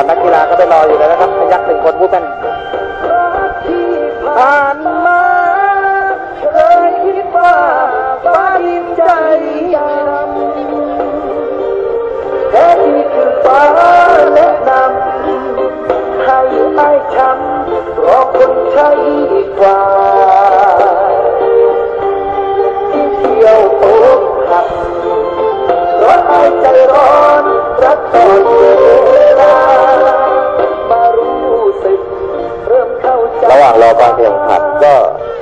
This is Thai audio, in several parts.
นักกีฬาก็ไปรออยู่แล้วนะครับพยักหนึ่งคนผู้เป็นผ่านมาเคยคิดว่าฟ้าดินใจดำแต่ที่คือฟ้าแนะนำให้ไอ้ช้ำรอคนใช่กว่าเที่ยวโต๊ะขับรถไอ้ใจร้อนรักตอนเวลามารู้สึกเริ่มเข้าใจระหว่างรอการแข่งขันก็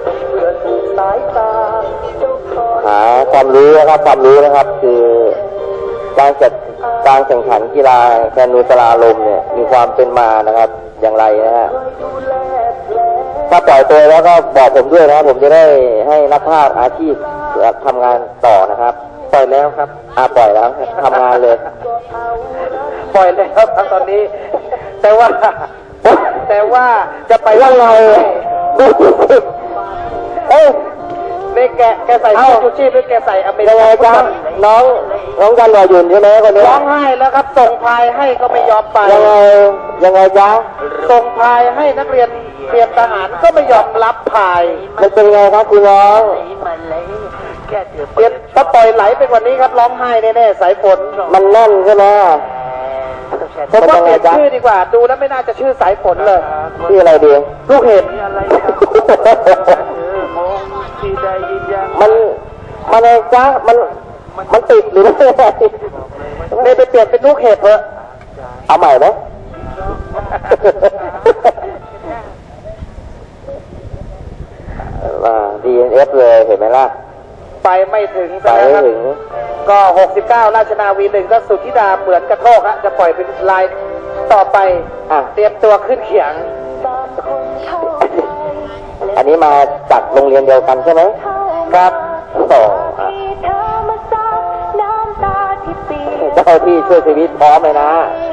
หาความรู้นะครับคือการแข่งขันกีฬาแคนูสลาลมเนี่ยมีความเป็นมานะครับอย่างไรนะฮะถ้าปล่อยตัวแล้วก็บอกผมด้วยนะผมจะได้ให้นักภาพอาชีพทำงานต่อนะครับปล่อยแล้วครับปล่อยแล้วทำงานเลยปล่อยแล้วครับตอนนี้แต่ว่าจะไปว่าไงนี่แกใส่เสื้อชูชีพหรือแกใส่อเมริกันน้องกันรอยุ่นใช่ไหมคนนี้ร้องไห้แล้วครับส่งพายให้ก็ไม่ยอมไปยังไงจ๊ะส่งพายให้นักเรียนเตรียมทหารก็ไม่ยอมรับพายมันเป็นไงครับคุณน้องเรียนถ้าปล่อยไหลไปกว่านี้ครับร้องไห้แน่ๆสายฝนมันแน่นใช่ไหมผมว่าเปลี่ยนชื่อดีกว่าดูแล้วไม่น่าจะชื่อสายฝนเลยชื่ออะไรดีลูกเห็บมันอะไรจ๊ะมันติดหรือไม่เลยไปเปลี่ยนเป็นลูกเห็บเถอะเอาใหม่ไหมว่า DNF เลยเห็นไหมล่ะไปไม่ถึงนะครับก็69ราชนาวี1ก็สุทธิดาเหมือนกระโทกฮะจะปล่อยเป็นลายต่อไปเตรียมตัวขึ้นเขียงอันนี้มาจากโรงเรียนเดียวกันใช่ไหมครับต่อเจ้าที่ช่วยชีวิตพร้อมเลยนะ